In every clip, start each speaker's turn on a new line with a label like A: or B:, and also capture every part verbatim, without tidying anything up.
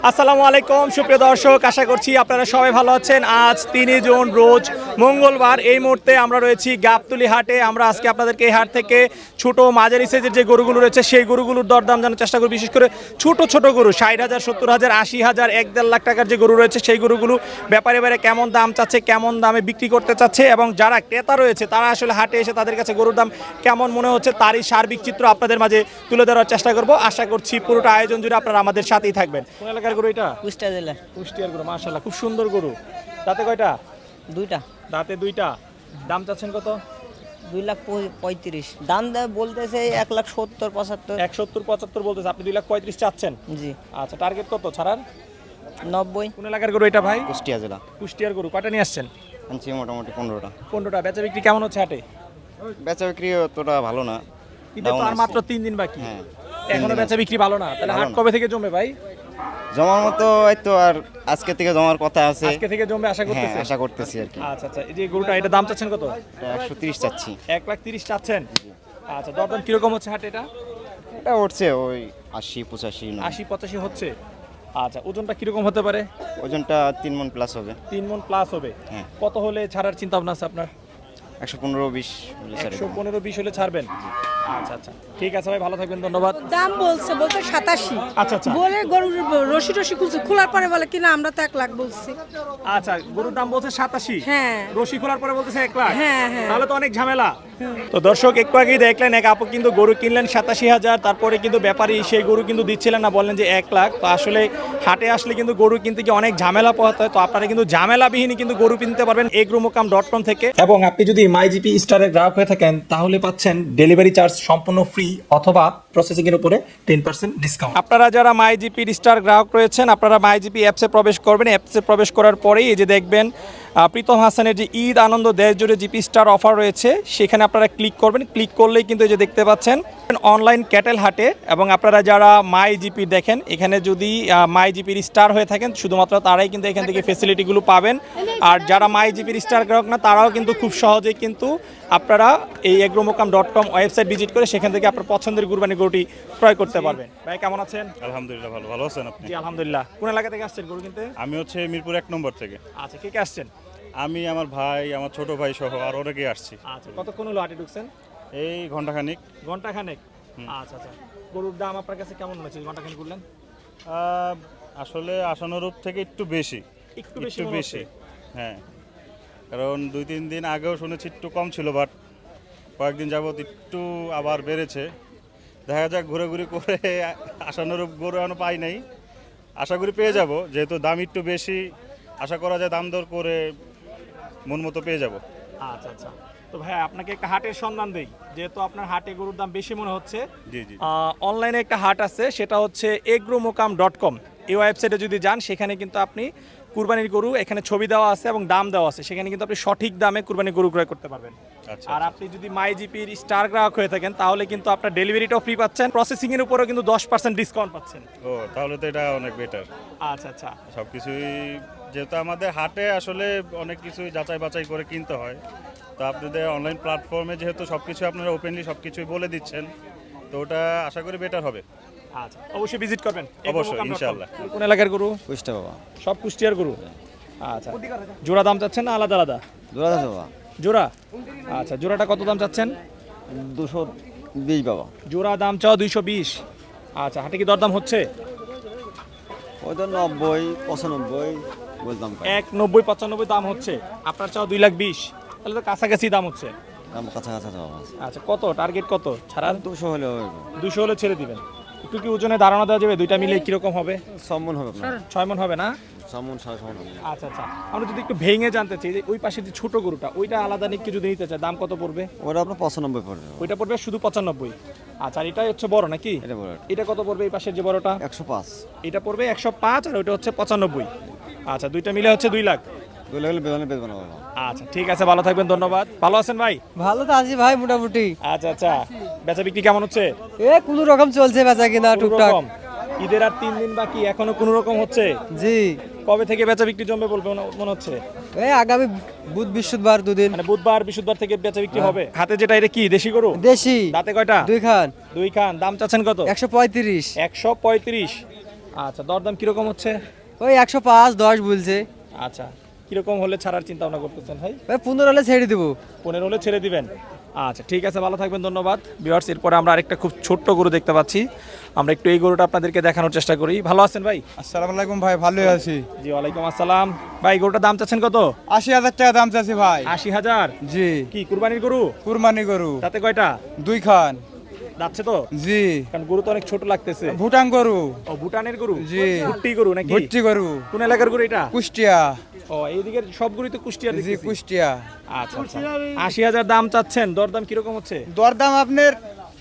A: আসসালামু আলাইকুম সুপ্রিয় দর্শক, আশা করছি আপনারা সবাই ভালো আছেন। আজ তিনই জুন রোজ মঙ্গলবার। এই মুহূর্তে আমরা রয়েছি গাবতলী হাটে। আমরা আজকে আপনাদেরকে এই হাট থেকে ছোট মাঝারি সাইজের যে গরুগুলো রয়েছে সেই গরুগুলোর দরদাম জানার চেষ্টা করি। বিশেষ করে ছোট ছোট গরু ষাট হাজার সত্তর হাজার আশি হাজার এক দেড় লাখ টাকার যে গরু রয়েছে সেই গরুগুলো ব্যাপারে ব্যাপারে কেমন দাম চাচ্ছে, কেমন দামে বিক্রি করতে চাচ্ছে এবং যারা ক্রেতা রয়েছে তারা আসলে হাটে এসে তাদের কাছে গরুর দাম কেমন মনে হচ্ছে তারই সার্বিক চিত্র আপনাদের মাঝে তুলে ধরার চেষ্টা করব। আশা করছি পুরোটা আয়োজন জুড়ে আপনারা আমাদের সাথেই থাকবেন। কোন এলাকার গরু এটা?
B: কুষ্টিয়া জেলা।
A: কুষ্টিয়ার গরু, মাশাআল্লাহ খুব সুন্দর গরু। দাঁতে কয়টা?
B: দুইটা।
A: দাঁতে দুইটা। দাম চাচ্ছেন কত?
B: দুই লাখ পঁয়ত্রিশ। দাম দেয় বলতেছে এক লাখ সত্তর পঁচাত্তর।
A: এক সত্তর পঁচাত্তর বলতেছে, আপনি দুই লাখ পঁয়ত্রিশ চাচ্ছেন?
B: জি।
A: আচ্ছা, টার্গেট কত ছাড়ার?
B: নব্বই।
A: কোন এলাকার গরু এটা ভাই?
C: কুষ্টিয়া জেলা।
A: কুষ্টিয়ার গরু। কয়টা নিয়ে আসছেন?
C: আনছি মোটামুটি পনেরোটা।
A: পনেরোটা। বেচা বিক্রি কেমন হচ্ছে হাটে?
C: বেচা বিক্রি অতটা ভালো না।
A: ঈদের তো আর মাত্র তিন দিন বাকি।
C: হ্যাঁ,
A: এখনো বেচা বিক্রি ভালো না। তাহলে হাট কবে থেকে জমবে ভাই?
C: জমার মতো এই তো আর আজকে থেকে জমার কথা আছে।
A: আজকে থেকে জমবে আশা
C: হ্যাঁ,
A: করতেছি।
C: আশা করতেছি আর কি।
A: আচ্ছা আচ্ছা, এই যে গরুটা এটা দাম চাচ্ছেন কত?
C: একশো তিরিশ চাচ্ছি।
A: এক লাখ তিরিশ চাচ্ছেন। আচ্ছা, দরদাম কিরকম হচ্ছে হাটে এটা?
C: এটা উঠছে ওই আশি পঁচাশি।
A: আশি পঁচাশি হচ্ছে। আচ্ছা, ওজনটা কিরকম হতে পারে?
C: ওজনটা তিন মন প্লাস হবে।
A: তিন মন প্লাস হবে।
C: হ্যাঁ।
A: কত হলে ছাড়ার চিন্তা ভাবনা আছে আপনার?
C: একশো পনেরো বিশ।
A: একশো পনেরো বিশ হলে ছাড়বেন। আচ্ছা আচ্ছা, ঠিক আছে ভাই, ভালো থাকবেন, ধন্যবাদ।
D: দাম বলছে বলছে সাতাশি।
A: আচ্ছা আচ্ছা
D: বলে গরুর রশি টসি খুলছে, খোলার পরে বলে কিনা আমরা তো এক লাখ বলছি।
A: আচ্ছা, গরুর দাম বলছে সাতাশি।
D: হ্যাঁ।
A: রশি খোলার পরে বলতেছে এক লাখ।
D: হ্যাঁ, হ্যাঁ।
A: তাহলে তো অনেক ঝামেলা। তো দর্শক, একটু আগেই দেখলেন এক আপু কিন্তু গরু কিনলেন সাতাশি হাজার, তারপরে কিন্তু ব্যাপারী সেই গরু কিন্তু দিচ্ছিলেন না, বললেন যে এক লাখ। তো আসলে হাটে আসলে কিন্তু গরু কিনতে গিয়ে অনেক ঝামেলা পোহাতে হয়। তো আপনারা কিন্তু ঝামেলাবিহীনই কিন্তু গরু কিনতে পারবেন এগ্রোমোকাম ডট কম থেকে। এবং আপনি যদি মাইজিপি স্টারের গ্রাহক হয়ে থাকেন তাহলে পাচ্ছেন ডেলিভারি চার্জ সম্পূর্ণ ফ্রি অথবা প্রসেসিং এর উপরে টেন পার্সেন্ট ডিসকাউন্ট। আপনারা যারা মাইজিপি স্টার গ্রাহক রয়েছেন আপনারা মাইজিপি অ্যাপসে প্রবেশ করবেন। অ্যাপসে প্রবেশ করার পরেই এই যে দেখবেন প্রীতম হাসানের যে ঈদ আনন্দ দেশ জুড়ে জিপি স্টার অফার রয়েছে, সেখানে আপনারা ক্লিক করবেন। ক্লিক করলেই কিন্তু এই যে দেখতে পাচ্ছেন অনলাইন ক্যাটেল হাটে। এবং আপনারা যারা মাই জিপি দেখেন, এখানে যদি মাই জিপির স্টার হয়ে থাকেন শুধুমাত্র তারাই কিন্তু এখান থেকে ফেসিলিটিগুলো পাবেন। আর যারা মাই জিপির স্টার গ্রাহক না তারাও কিন্তু খুব সহজেই কিন্তু আপনারা এই এগ্রোমোকাম ডট কম ওয়েবসাইট ভিজিট করে সেখান থেকে আপনার পছন্দের কুরবানি গরুটি ক্রয় করতে পারবেন। ভাই কেমন আছেন?
E: আলহামদুলিল্লাহ ভালো। ভালো আছেন আপনি?
A: জি আলহামদুলিল্লাহ। কোন এলাকা থেকে আসছেন গরু কিনতে?
E: আমি হচ্ছে মিরপুর এক নম্বর থেকে।
A: আচ্ছা, কে কে আসছেন?
E: আমি, আমার ভাই, আমার ছোট ভাই সহ আর অনেকে আসছি।
A: আচ্ছা, কতক্ষণ হলো হাটে ঢুকছেন?
E: এই ঘন্টাখানিক।
A: ঘন্টা খানেক। আচ্ছা আচ্ছা, গরুর দাম আপনার কাছে কেমন মনে হচ্ছে ঘন্টা খানেক ঘুরলেন?
E: আহ, আসলে আশানুরূপ থেকে একটু বেশি।
A: একটু বেশি
E: একটু
A: মনে
E: বেশি,
A: হচ্ছে?
E: হ্যাঁ। কারণ দুই তিন দিন আগেও শুনেছি একটু কম ছিল, বাট কয়েকদিন যাবত একটু আবার বেড়েছে। দেখা যাক, ঘুরে করে আশানুরূপ গরু এখনো পাই নাই। আশা করি পেয়ে যাব, যেহেতু দাম একটু বেশি। আশা করা যায় দাম দর করে মন মতো পেয়ে যাব।
A: আচ্ছা আচ্ছা, তো ভাই আপনাকে একটা হাটের সন্ধান দেই, যেহেতু আপনার হাটে গরুর দাম বেশি মনে হচ্ছে।
E: জি জি।
A: অনলাইনে একটা হাট আছে, সেটা হচ্ছে এগ্রোমোকাম ডট কম। এই ওয়েবসাইটে যদি যান সেখানে কিন্তু আপনি কুরবানির গরু, এখানে ছবি দেওয়া আছে এবং দাম দেওয়া আছে, সেখানে কিন্তু আপনি সঠিক দামে কুরবানির গরু ক্রয় করতে পারবেন।
E: আচ্ছা।
A: আর আপনি যদি মাই জিপির স্টার গ্রাহক হয়ে থাকেন তাহলে কিন্তু আপনার ডেলিভারিটাও ফ্রি পাচ্ছেন, প্রসেসিং এর উপরেও কিন্তু দশ পার্সেন্ট ডিসকাউন্ট পাচ্ছেন।
E: ও, তাহলে তো এটা অনেক বেটার।
A: আচ্ছা আচ্ছা,
E: সব কিছুই যেহেতু আমাদের হাটে আসলে অনেক কিছুই যাচাই বাছাই করে কিনতে হয়, তো আপনাদের অনলাইন প্ল্যাটফর্মে যেহেতু সব কিছু আপনারা ওপেনলি সব কিছুই বলে দিচ্ছেন, তো ওটা আশা করি বেটার হবে।
A: আচ্ছা, অবশ্যই ভিজিট করবেন
E: অবশ্যই,
A: এগ্রোমোকাম ডট কম।
E: ইনশাআল্লাহ।
A: কোন এলাকার গরু?
C: কুষ্টিয়া বাবা।
A: সব কুষ্টিয়ার গরু। আচ্ছা, জোড়া দাম চাচ্ছেন না আলাদা আলাদা?
C: জোড়া আছে বাবা।
A: জোড়া। আচ্ছা, জোড়াটা কত দাম চাচ্ছেন?
C: দুশো বিশ বাবা।
A: জোড়া দাম চাও দুইশো বিশ। আচ্ছা, হাটে কি দরদাম হচ্ছে?
C: ওই তো নব্বই পঁচানব্বই বলতাম।
A: এক নব্বই পঁচানব্বই দাম হচ্ছে, আপনার চাও দুই লাখ বিশ, তাহলে তো কাছাকাছি দাম হচ্ছে।
C: দাম কাছাকাছি বাবা।
A: আচ্ছা, কত টার্গেট কত ছাড়ার?
C: দুশো হলে
A: দুশো হলে ছেড়ে দিবেন। একটু কি ওজনে ধারণা দেওয়া যাবে দুইটা মিলে কিরকম হবে?
C: সম্মন হবে আপনার।
A: ছয় মন হবে না?
C: সম্মন সাড়ে সম্মন হবে।
A: আচ্ছা আচ্ছা, আমরা যদি একটু ভেঙে জানতে চাই যে ওই পাশে যে ছোট গরুটা, ওইটা আলাদা নিকে যদি নিতে চাই দাম কত পড়বে?
C: ওটা আপনার পঁচানব্বই পড়বে।
A: ওইটা পড়বে শুধু পঁচানব্বই। আচ্ছা, আর এটাই হচ্ছে বড় নাকি?
C: এটা বড়।
A: এটা কত পড়বে এই পাশের যে বড়টা?
C: একশো পাঁচ।
A: এটা পড়বে একশো পাঁচ আর ওইটা হচ্ছে পঁচানব্বই। আচ্ছা, দুইটা মিলে হচ্ছে দুই লাখ।
C: দুই লাখ হলে বেতনে বেতন বাবা।
A: আচ্ছা, ঠিক আছে, ভালো থাকবেন, ধন্যবাদ। ভালো আছেন ভাই?
B: ভালো তো আছি ভাই মোটামুটি।
A: আচ্ছা আচ্ছা, বেচা বিক্রি কেমন হচ্ছে?
B: এ কোনো রকম চলছে বেচা কিনা টুকটাক।
A: কোনোরকম? ঈদের আর তিন দিন বাকি, এখনো কোনো রকম হচ্ছে?
B: জি।
A: কবে থেকে বেচা বিক্রি জমবে বলবে মনে হচ্ছে?
B: এই আগামী বুধ বৃহস্পতিবার দুদিন।
A: মানে বুধবার বৃহস্পতিবার থেকে বেচা বিক্রি হবে। হাতে যেটা, এটা কি দেশি গরু?
B: দেশি।
A: দাঁতে কয়টা?
B: দুই খান।
A: দুই খান। দাম চাচ্ছেন কত?
B: একশো পঁয়ত্রিশ।
A: একশো পঁয়ত্রিশ। আচ্ছা, দরদাম কিরকম হচ্ছে?
F: ওই একশো পাঁচ দশ বলছে।
A: আচ্ছা, কিরকম হলে ছাড়ার চিন্তা ভাবনা করতেছেন ভাই?
F: ওই পনেরো হলে ছেড়ে দেবো।
A: পনেরো হলে ছেড়ে দিবেন। আচ্ছা ঠিক আছে, ভালো থাকবেন, ধন্যবাদ। ভিউয়ার্স, এরপরে আমরা আরেকটা খুব ছোট্ট গরু দেখতে পাচ্ছি, আমরা একটু এই গরুটা আপনাদেরকে দেখানোর চেষ্টা করি। ভালো আছেন ভাই?
G: আসসালামু আলাইকুম ভাই, ভালোই আছি।
A: জি ওয়ালাইকুম আসসালাম। ভাই গরুটার দাম চাচ্ছেন কত?
G: আশি হাজার টাকা দাম চাচ্ছি ভাই।
A: আশি হাজার?
G: জি।
A: কি কুরবানির গরু?
G: কুরবানি গরু।
A: তাতে কয়টা?
G: দুই খান।
A: যাচ্ছে তো?
G: জি।
A: কারণ গরু তো অনেক ছোট লাগতেছে।
G: ভুটান গরু।
A: ও ভুটানের গরু?
G: জি।
A: ভুট্টি গরু নাকি?
G: ভুট্টি গরু।
A: কোন এলাকার গরু এটা?
G: কুষ্টিয়া।
A: ও এইদিকের সবগুলোই তো কুষ্টিয়ার
G: জি
A: দেখতেছি।
G: কুষ্টিয়া।
A: আচ্ছা আচ্ছা, আশি হাজার দাম চাচ্ছেন, দরদাম কিরকম হচ্ছে?
G: দরদাম আপনার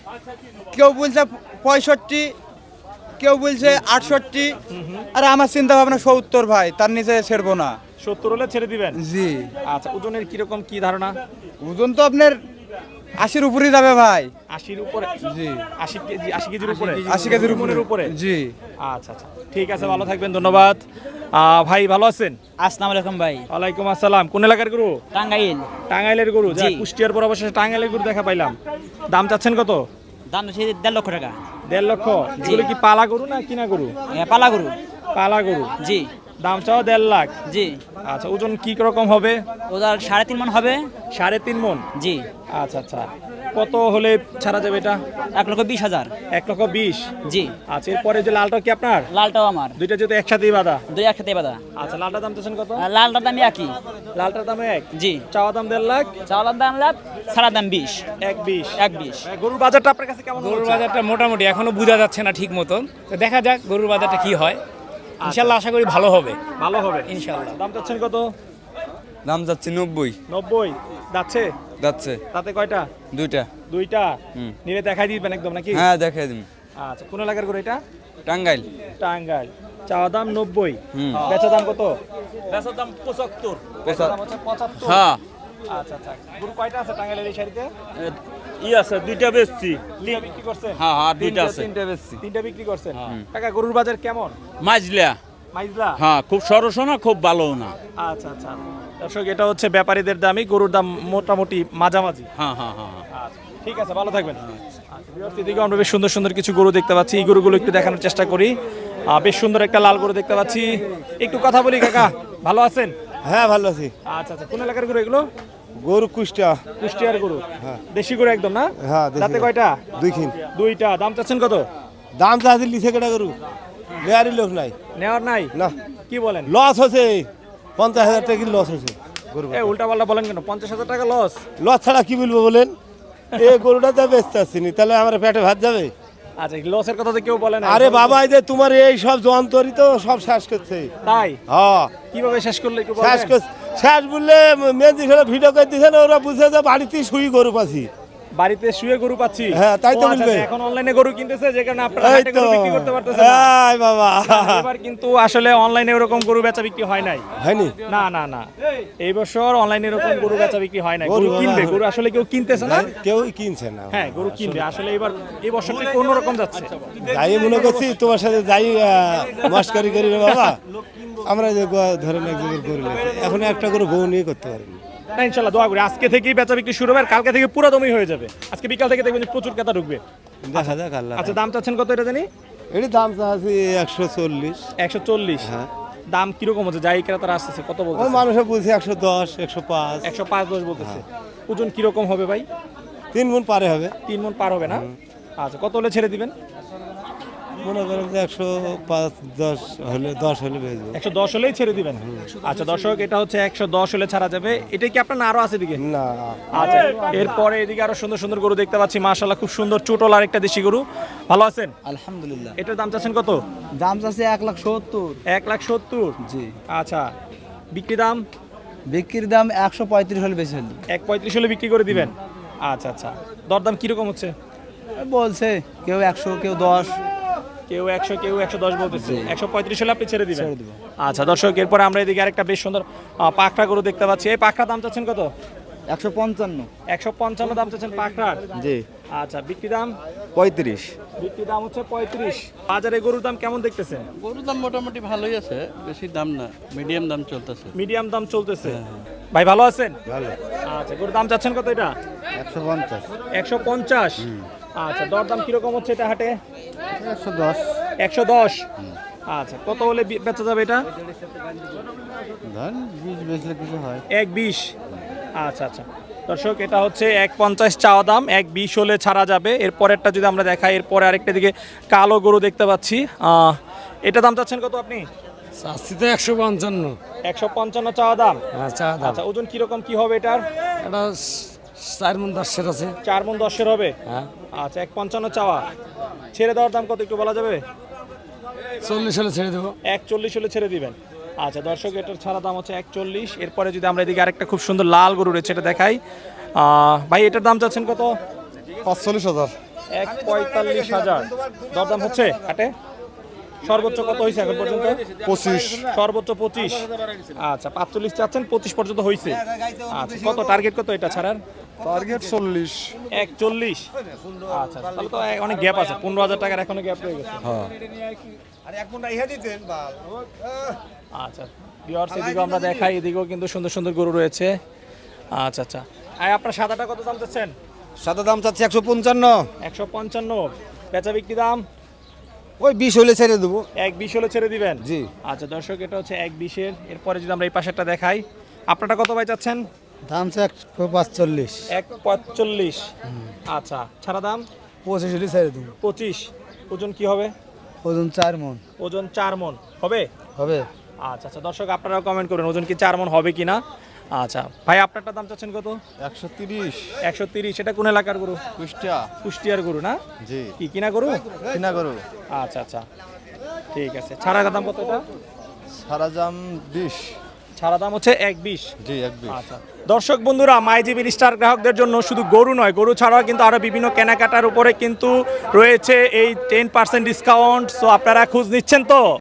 G: কেউ বলছে পঁয়ষট্টি, কেউ বলছে আটষট্টি, আর আমার চিন্তা ভাবনা সত্তর ভাই, তার নিচে ছেড়বো না।
A: সত্তর হলে ছেড়ে দিবেন?
G: জি।
A: আচ্ছা, ওজনের কিরকম কি ধারণা?
G: ওজন তো আপনার আশির উপরেই যাবে ভাই।
A: আশির উপরে?
G: জি।
A: আশি কেজি, আশি কেজির উপরে?
G: আশি কেজির উপরে।
A: মনের উপরে?
G: জি।
A: আচ্ছা আচ্ছা, ঠিক আছে, ভালো থাকবেন, ধন্যবাদ। আহ, ভাই ভালো আছেন?
B: আসসালামু আলাইকুম ভাই।
A: ওয়ালাইকুম আসসালাম। কোন এলাকার গরু?
B: টাঙ্গাইল।
A: টাঙ্গাইলের গরু? যা
B: জি।
A: কুষ্টিয়ার পর অবশেষে টাঙ্গাইলের গরু দেখা পাইলাম। দাম চাচ্ছেন কত?
B: দাম হচ্ছে দেড় লক্ষ টাকা।
A: দেড় লক্ষ? এগুলো কি পালা গরু না কিনা গরু?
B: পালা গরু।
A: পালা গরু?
B: জি।
A: দাম চাও দেড় লাখ?
B: জি।
A: আচ্ছা, ওজন কি রকম হবে?
B: ওদের সাড়ে তিন মন হবে।
A: সাড়ে তিন মন?
B: জি।
A: আচ্ছা আচ্ছা, কত হলে ছাড়া যাবে এটা?
B: এক লক্ষ বিশ হাজার।
A: এক লক্ষ বিশ?
B: জি।
A: আচ্ছা, এরপরে যে লালটা কি আপনার?
B: লালটাও আমার।
A: দুইটা যেহেতু একসাথেই বাঁধা?
B: দুই একসাথে বাদা।
A: আচ্ছা, লালটার দাম চাচ্ছেন কত?
B: আর লালটার দাম একই।
A: লালটার দাম এক?
B: জি।
A: চাওয়া দাম দেড় লাখ?
B: চাওয়ালার দাম লাখ, সারা দাম বিশ।
A: এক বিশ?
B: এক বিশ।
A: গরুর বাজারটা আপনার কাছে কেমন?
H: গরুর বাজারটা মোটামুটি এখনো বোঝা যাচ্ছে না ঠিক মতন, তো দেখা যাক গরুর বাজারটা কি হয়। ইনশাল্লাহ আশা করি ভালো হবে।
A: ভালো হবে
H: ইনশাল্লাহ।
A: দাম চাচ্ছেন কত?
G: দাম যাচ্ছে নব্বই।
A: নব্বই যাচ্ছে?
G: যাচ্ছে
A: তাতে কয়টা?
G: দুইটা।
A: দুইটা? নিলে দেখাই দিবেন একদম নাকি?
G: হ্যাঁ দেখাই দিন।
A: আচ্ছা, কোন এলাকার গরু এটা?
G: টাঙ্গাইল।
A: টাঙ্গাইল। চাওয়া দাম নব্বই,
G: হুম।
A: বেচা দাম কত?
H: বেচার দাম পঁচাত্তর।
A: বেচা দাম হচ্ছে পঁচাত্তর?
H: হ্যাঁ।
A: আচ্ছা আচ্ছা, গরু কয়টা আছে টাঙ্গাইলের এই শাড়িতে?
H: ই আছে দুইটা বেচছি।
A: তিনটা বিক্রি করছেন?
H: হ্যাঁ হ্যাঁ দুইটা আছে।
G: তিনটা বেচছি।
A: তিনটা বিক্রি করছেন? কাকা গরুর বাজার কেমন?
H: মাইজলা।
A: মাইজলা?
H: হ্যাঁ, খুব সরসও না খুব ভালো না।
A: আচ্ছা আচ্ছা, দর্শক এটা হচ্ছে ব্যাপারীদের দামই, গরুর দাম মোটামুটি মাঝামাঝি।
H: হ্যাঁ হ্যাঁ হ্যাঁ।
A: আচ্ছা, ঠিক আছে, ভালো থাকবেন। আচ্ছা, ভিউয়ার্স, এদিকে আমরা বেশ সুন্দর সুন্দর কিছু গরু দেখতে পাচ্ছি, এই গরুগুলো একটু দেখানোর চেষ্টা করি। আহ, বেশ সুন্দর একটা লাল গরু দেখতে পাচ্ছি, একটু কথা বলি। কাকা ভালো আছেন?
I: হ্যাঁ ভালো আছি।
A: আচ্ছা আচ্ছা, কোন এলাকার গরু এগুলো?
I: গরু কুষ্টিয়া।
A: কুষ্টিয়ার গরু? দেশি গরু একদম না?
I: হ্যাঁ দেশি
A: তাতে
I: গরু।
A: কয়টা?
I: দুই খিন।
A: দুইটা। দাম চাচ্ছেন কত?
I: দাম চাচ্ছি লিখে কেটা গরু, নেয়ারই লোক নাই।
A: নেওয়ার নাই?
I: না।
A: কি বলেন?
I: লস হচ্ছে পঞ্চাশ হাজার টাকা লস হচ্ছে গরু।
A: এ উল্টা পাল্টা বলেন কেন? পঞ্চাশ হাজার টাকা লস?
I: লস ছাড়া কি বলবো বলেন, এই গরুটা যা বেচতে আসছি নি, তাহলে আমার পেটে ভাত যাবে।
A: আচ্ছা, লসের কথা তো কেউ বলে না।
I: আরে বাবা, এই যে তোমার এই সব যন্ত্রই তো সব শেষ করছে।
A: তাই?
I: হ্যাঁ
A: কিভাবে শেষ করলে একটু
I: শেষ
A: বলবেন?
I: করছে। শেষ বললে মেজি খেলে ভিডিও করে দিচ্ছে না, ওরা বুঝে যে বাড়িতেই শুই গরু পাচ্ছি।
A: বাড়িতে শুয়ে গরু পাচ্ছি?
I: হ্যাঁ, তাই তো
A: ও আচ্ছা,
I: বলবে।
A: আচ্ছা, এখন অনলাইনে গরু কিনতেছে, যে কারণে আপনারা
I: এই
A: হাটে
I: তো
A: গরু বিক্রি করতে পারতেছেন না।
I: এই বাবা,
A: এবার কিন্তু আসলে অনলাইনে এরকম গরু বেচা বিক্রি হয় নাই।
I: হয়নি?
A: না না না, এই বছর অনলাইনে এরকম গরু বেচা বিক্রি হয় নাই। গরু
I: গরু
A: কিনবে,
I: বাবা।
A: গরু আসলে কেউ কিনতেছে না।
I: কেউই কিনছে না।
A: হ্যাঁ, গরু কিনবে আসলে। এবার এই বছরটা কোন রকম যাচ্ছে?
I: যাই মনে করছি তোমার সাথে যাই মস্কারি করি রে বাবা, আমরা যে গ- ধরেন এক জায়গায় গরু লেছি, এখন একটা করে বউ নিয়ে করতে পারিনি।
A: না, ইনশাল্লাহ দোয়া করি আজকে থেকেই বেচা বিক্রি শুরু হবে, আর কালকে থেকে পুরো দমই হয়ে যাবে। আজকে বিকাল থেকে দেখবেন যে প্রচুর ক্রেতা ঢুকবে।
I: দেখা যাক আল্লাহ।
A: আচ্ছা, দাম চাচ্ছেন কত এটা জানি?
I: এটি দাম চাচ্ছি একশো চল্লিশ।
A: একশো চল্লিশ?
I: হ্যাঁ।
A: দাম কিরকম হচ্ছে? যাই ক্রেতারা আসতেছে কত
I: ওই
A: বলছে?
I: মানুষে বলছে একশো দশ, একশো পাঁচ।
A: একশো পাঁচ দশ বলতেছে। ওজন কিরকম হবে ভাই?
I: তিন গুণ পারে হবে।
A: তিন মন পার হবে না? আচ্ছা, কত হলে ছেড়ে দিবেন?
I: মনে করেন যে একশো পাঁচ দশ হলে, দশ হলে বেচবো।
A: একশো দশ হলেই ছেড়ে দিবেন? আচ্ছা দর্শক, এটা হচ্ছে একশো দশ হলে ছাড়া যাবে। এটা কি আপনার না আরো আছে এদিকে?
I: না।
A: আচ্ছা, এরপরে এদিকে আরো সুন্দর সুন্দর গরু দেখতে পাচ্ছি, মাশাআল্লাহ খুব সুন্দর চুটল আর একটা দেশি গরু। ভালো আছেন?
F: আলহামদুলিল্লাহ।
A: এটার দাম চাচ্ছেন কত?
F: দাম চাচ্ছে এক লাখ সত্তর।
A: এক লাখ সত্তর?
F: জি।
A: আচ্ছা, বিক্রি দাম?
F: বিক্রির দাম একশো পঁয়ত্রিশ হলে বেশি হলি।
A: এক পঁয়ত্রিশ হলে বিক্রি করে দিবেন? আচ্ছা আচ্ছা, দরদাম কিরকম হচ্ছে?
F: বলছে কেউ একশো, কেউ দশ।
A: কেউ একশো, কেউ একশো দশ বলতেছে। একশো পঁয়ত্রিশ হলে আপনি ছেড়ে দিবেন?
F: ছেড়ে দিব।
A: আচ্ছা দর্শক, এরপরে আমরা এদিকে আরেকটা বেশ সুন্দর আহ, পাখরা গরু দেখতে পাচ্ছি। এই পাখরা দাম চাচ্ছেন কত?
F: একশো পঞ্চান্ন।
A: একশো পঞ্চান্ন দাম চাচ্ছেন পাখরার?
F: জি।
A: আচ্ছা, বিক্রি দাম?
F: পঁয়ত্রিশ।
A: বিক্রি দাম হচ্ছে পঁয়ত্রিশ। বাজারে গরুর দাম কেমন দেখতেছেন?
J: গরুর দাম মোটামুটি ভালোই আছে, বেশি দাম না, মিডিয়াম দাম চলতেছে।
A: মিডিয়াম দাম চলতেছে। ভাই ভালো আছেন?
I: ভালো।
A: আচ্ছা, গরুর দাম চাচ্ছেন কত এটা?
I: একশো পঞ্চাশ।
A: একশো পঞ্চাশ? আচ্ছা, দরদাম কিরকম হচ্ছে এটা হাটে?
I: একশো দশ।
A: একশো দশ? আচ্ছা, কত হলে বি- বেচা যাবে এটা?
F: ধরেন বিশ বেচলে কিছু হয়।
A: এক বিশ। আচ্ছা আচ্ছা দর্শক, এটা হচ্ছে এক পঞ্চাশ চাওয়া দাম, এক বিশ হলে ছাড়া যাবে। এরপরেরটা যদি আমরা দেখাই, এরপরে আরেকটা দিকে কালো গরু দেখতে পাচ্ছি। আহ, এটা দাম চাচ্ছেন কত আপনি?
H: চাচ্ছি তো একশো পঞ্চান্ন।
A: একশো পঞ্চান্ন চাওয়া দাম।
H: হ্যাঁ চা দাম।
A: আচ্ছা, ওজন কিরকম কি হবে এটার?
H: এটা চার মন দশের আছে।
A: চার মন দশের হবে।
H: হ্যাঁ
A: আচ্ছা, এক পঞ্চান্ন চাওয়া। ছেড়ে দেওয়ার দাম কত একটু বলা যাবে?
H: চল্লিশ হলে ছেড়ে দেবো।
A: এক চল্লিশ হলে ছেড়ে দিবেন। আচ্ছা দর্শক, এটার ছাড়া দাম হচ্ছে এক চল্লিশ। এরপরে যদি আমরা এদিকে আরেকটা খুব সুন্দর লাল গরু রয়েছে, এটা দেখাই। আহ, ভাই এটার দাম চাচ্ছেন কত?
G: পাঁচচল্লিশ হাজার।
A: এক পঁয়তাল্লিশ হাজার দরদাম হচ্ছে হাটে। সর্বোচ্চ কত হয়েছে এখন পর্যন্ত?
G: পঁচিশ।
A: সর্বোচ্চ পঁচিশ। আচ্ছা, পাঁচচল্লিশ চাচ্ছেন, পঁচিশ পর্যন্ত হয়েছে। আচ্ছা, কত টার্গেট কত এটা ছাড়ার?
G: টার্গেট চল্লিশ।
A: এক চল্লিশ। আচ্ছা, তাহলে তো অনেক গ্যাপ আছে, পনেরো হাজার টাকার এখনো গ্যাপ রয়ে গেছে। আচ্ছা ভিউয়ার্স, এদিকেও আমরা দেখাই, এদিকেও কিন্তু সুন্দর সুন্দর গরু রয়েছে। আচ্ছা আচ্ছা, আর আপনার সাদাটা কত দাম চাচ্ছেন?
F: সাদা দাম চাচ্ছি একশো পঞ্চান্ন।
A: একশো পঞ্চান্ন। বেচা বিক্রি দাম?
F: ওই বিশ হলে ছেড়ে দেবো।
A: এক বিশ হলে ছেড়ে দিবেন?
F: জি।
A: আচ্ছা দর্শক, এটা হচ্ছে এক বিশের। এরপরে যদি আমরা এই পাশেরটা দেখাই, আপনারটা কত ভাই চাচ্ছেন?
F: দাম চাই একশো পাঁচচল্লিশ।
A: এক পঁয়তাল্লিশ। আচ্ছা, ছাড়া দাম?
F: পঁচিশ হলে ছেড়ে দেবো।
A: পঁচিশ। ওজন কি হবে?
F: ওজন চার মন
A: ওজন চার মন হবে।
F: হবে।
A: আচ্ছা আচ্ছা দর্শক, আপনারাও কমেন্ট করবেন ওজন কি চার মন হবে কিনা। আচ্ছা ভাই, আপনারটা দাম চাচ্ছেন কত?
G: একশো তিরিশ।
A: একশো তিরিশ। এটা কোন এলাকার গরু?
G: কুষ্টিয়া।
A: কুষ্টিয়ার গরু না?
G: জি।
A: কি কিনা গরু?
G: কিনা গরু।
A: আচ্ছা আচ্ছা ঠিক আছে। ছাড়া দাম কত এটা?
G: সারা দাম বিশ।
A: ছাড়া দাম হচ্ছে এক বিশ।
G: জি, এক বিশ।
A: আচ্ছা দর্শক বন্ধুরা, মাইজিবির স্টার গ্রাহকদের জন্য শুধু গরু নয়, গরু ছাড়াও কিন্তু আরো বিভিন্ন কেনাকাটার উপরে কিন্তু রয়েছে এই টেন পার্সেন্ট ডিসকাউন্ট। সো আপনারা খোঁজ নিচ্ছেন তো?